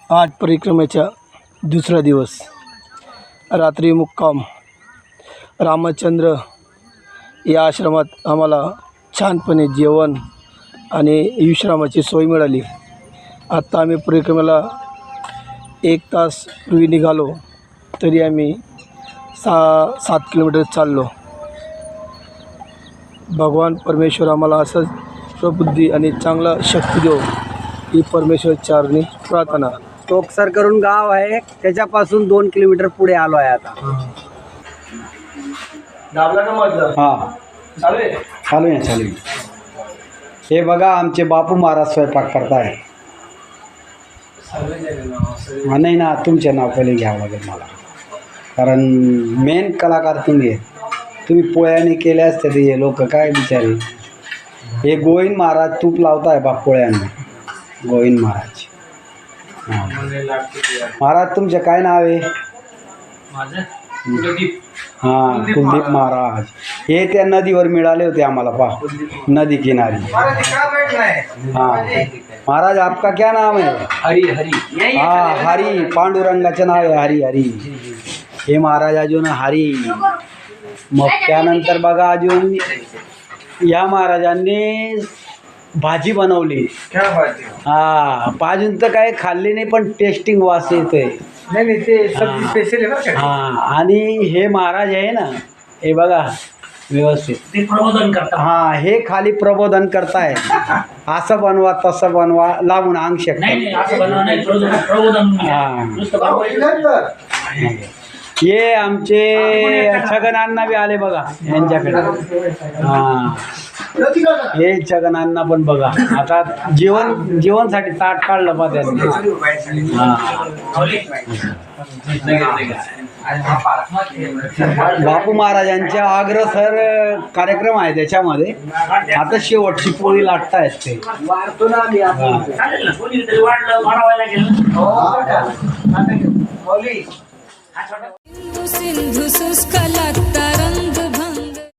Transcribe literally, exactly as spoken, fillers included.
आज परिक्रमेचा दुसरा दिवस, रात्री मुक्काम रामचंद्र या आश्रमात आम्हाला छानपणे जेवण आणि विश्रामाची सोय मिळाली। आत्ता आम्ही परिक्रमेला एक तास पूर्वी निघालो तरी आम्ही सहा सात किलोमीटर चाललो। भगवान परमेश्वर आम्हाला असंच प्रबुद्धी आणि चांगला शक्ती देव ही परमेश्वर चरणी प्रार्थना। टोकसर करून गाव आहे, त्याच्यापासून दोन किलोमीटर पुढे आलो आहे आता। दाबला का म्हटलं? हा चालू आहे चालू आहे चालू आहे। हे बघा आमचे बापू महाराज स्वयंपाक करताय। हा नाही ना, तुमचे नाव पहिले घ्यावं लागेल मला, कारण मेन कलाकार तुम्ही आहे। तुम्ही पोळ्याने केल्या असते ते हे लोक काय बिचारे। हे गोविंद महाराज तूप लावताय बा पोळ्यांना, गोविंद महाराज। महाराज तुमचे काय नाव आहे? हां कुलदीप महाराज। हे त्या नदीवर मिळाले होते आम्हाला, पा नदी किनारी। हाँ महाराज आपका क्या नाम है? हरी हरी हाँ हरी, पांडुरंगाचं नाव आहे हरी हरी। हे महाराज अजून हरी। मग त्यानंतर बघा अजून या महाराजांनी भाजी बनवली। हा अजून तर काय खाल्ली नाही, पण टेस्टिंग वास येतोय। नाही नाही ते सब्जी स्पेशल आहे बरं का। हा आणि हे महाराज आहे ना, हे बघा व्यवस्थित ते प्रबोधन करतात। हा हे खाली प्रबोधन करताय, असं बनवा तसं बनवा, लावून अंग शकतात। हे आमचे छगनांना बी आले बघा यांच्याकडे। हा हे छगनांना पण बघा, आता जेवण जेवणसाठी ताट काढलं बा त्यांनी। बापू महाराजांच्या अग्रसर कार्यक्रम आहे त्याच्यामध्ये। आता शेवटची पोळी लाटतायत ते। सिंधु शुष्क लागता रंग